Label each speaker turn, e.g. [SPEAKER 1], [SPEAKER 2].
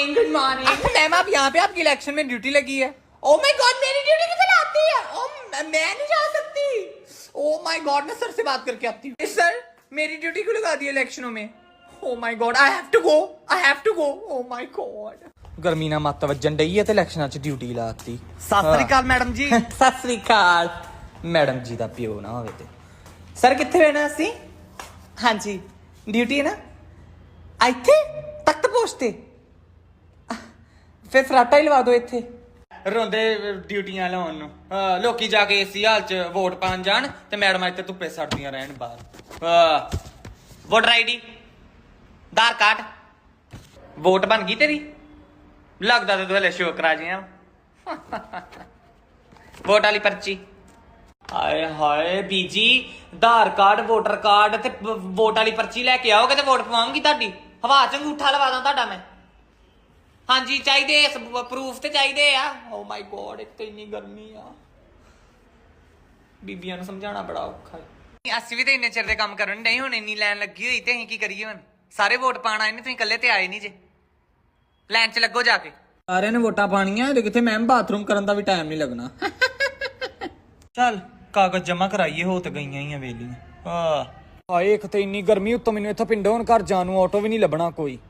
[SPEAKER 1] Good morning ma'am. आप यहाँ पे आपकी इलेक्शन में ड्यूटी लगी है। ओ माय गॉड, मेरी ड्यूटी किधर आती है? ओ मैं नहीं जा सकती। ओ माय गॉड, मैं सर से बात करके आती हूँ। सर, मेरी ड्यूटी क्यों लगा दी है इलेक्शनों में? Oh my god, I have to go, I have to go. Oh my god, गर्मी ना मत वजन डई है ते इलेक्शनां च ड्यूटी लाती।
[SPEAKER 2] सत श्री अकाल मैडम जी।
[SPEAKER 1] सत श्री अकाल मैडम जी दा पिओ ना होवे ते। सर कित्थे रहना असी? हाँ जी, ड्यूटी है ना ਇੱਥੇ ਤਖਤ ਪੋਸਟ ਤੇ। ਫਿਰ ਫਰਾਟਾ ਹੀ ਲਵਾ ਦਿਓ ਇੱਥੇ।
[SPEAKER 2] ਰੋਂਦੇ ਡਿਊਟੀਆਂ ਲਾਉਣ ਨੂੰ ਲੋਕੀ ਜਾ ਕੇ ਏਸੀ ਹਾਲ ਚ ਵੋਟ ਪਾਣ ਜਾਣ ਤੇ ਮੈਡਮਾਂ ਇੱਥੇ ਧੁੱਪੇ ਸੜਦੀਆਂ ਰਹਿਣ ਬਾਹਰ। Voter ID, Aadhaar card, vote ਬਣ ਗਈ ਤੇਰੀ? ਲੱਗਦਾ ਤੇ ਤੂੰ ਹਲੇ ਸ਼ੋਅ ਕਰਾ ਜਿਆ। ਵੋਟ ਵਾਲੀ ਪਰਚੀ। ਹਾਏ ਹਾਏ ਬੀਜੀ, ਆਧਾਰ ਕਾਰਡ, ਵੋਟਰ ਕਾਰਡ ਤੇ ਵੋਟ ਵਾਲੀ ਪਰਚੀ ਲੈ ਕੇ ਆਓਗੇ ਤੇ ਵੋਟ ਪਵਾਉਂਗੀ ਤੁਹਾਡੀ। ਹਵਾ ਚ ਅੰਗੂਠਾ ਲਵਾ ਦਾਂ ਤੁਹਾਡਾ ਮੈਂ। ਹਾਂਜੀ ਚਾਹੀਦੇ, ਪ੍ਰੂਫ ਤੇ ਚਾਹੀਦੇ ਆ। ਓ ਮਾਈ ਗੋਡ, ਇੱਕ ਤੇ ਇੰਨੀ ਗਰਮੀ ਆ, ਬੀਬੀਆਂ ਨੂੰ ਸਮਝਾਉਣਾ ਬੜਾ ਔਖਾ ਹੈ। ਅਸੀਂ ਵੀ ਤੇ ਇੰਨੇ ਚਿਰ ਦੇ ਕੰਮ ਕਰਨ ਨਹੀਂ, ਹੁਣ ਇੰਨੀ ਲਾਈਨ ਲੱਗੀ ਹੋਈ ਤੇ ਅਸੀਂ ਕੀ ਕਰੀਏ? ਹੁਣ ਸਾਰੇ ਵੋਟ ਪਾਣ ਆਏ ਨੇ, ਤੁਸੀਂ ਇਕੱਲੇ ਤੇ ਆਏ ਨਹੀਂ ਜੇ। ਲਾਈਨ ਚ ਲੱਗੋ ਜਾ ਕੇ।
[SPEAKER 1] ਸਾਰਿਆਂ ਨੇ ਵੋਟਾਂ ਪਾਣੀਆਂ ਤੇ ਕਿੱਥੇ ਮੈਮ ਬਾਥਰੂਮ ਕਰਨ ਦਾ ਵੀ ਟਾਈਮ ਨਹੀਂ ਲੱਗਣਾ।
[SPEAKER 2] ਚੱਲ ਕਾਗਜ਼ ਜਮਾ ਕਰਾਈਏ, ਹੋ ਤੇ ਗਈਆਂ ਹੀ ਆ ਵੇਲੀਆਂ।
[SPEAKER 1] ਹਾਏ, ਇੱਕ ਤੇ ਇੰਨੀ ਗਰਮੀ ਉੱਤੋਂ ਮੈਨੂੰ ਇੱਥੋਂ ਪਿੰਡੋਂ ਹੁਣ ਘਰ ਜਾਣ ਨੂੰ ਆਟੋ ਵੀ ਨਹੀਂ ਲੱਭਣਾ ਕੋਈ।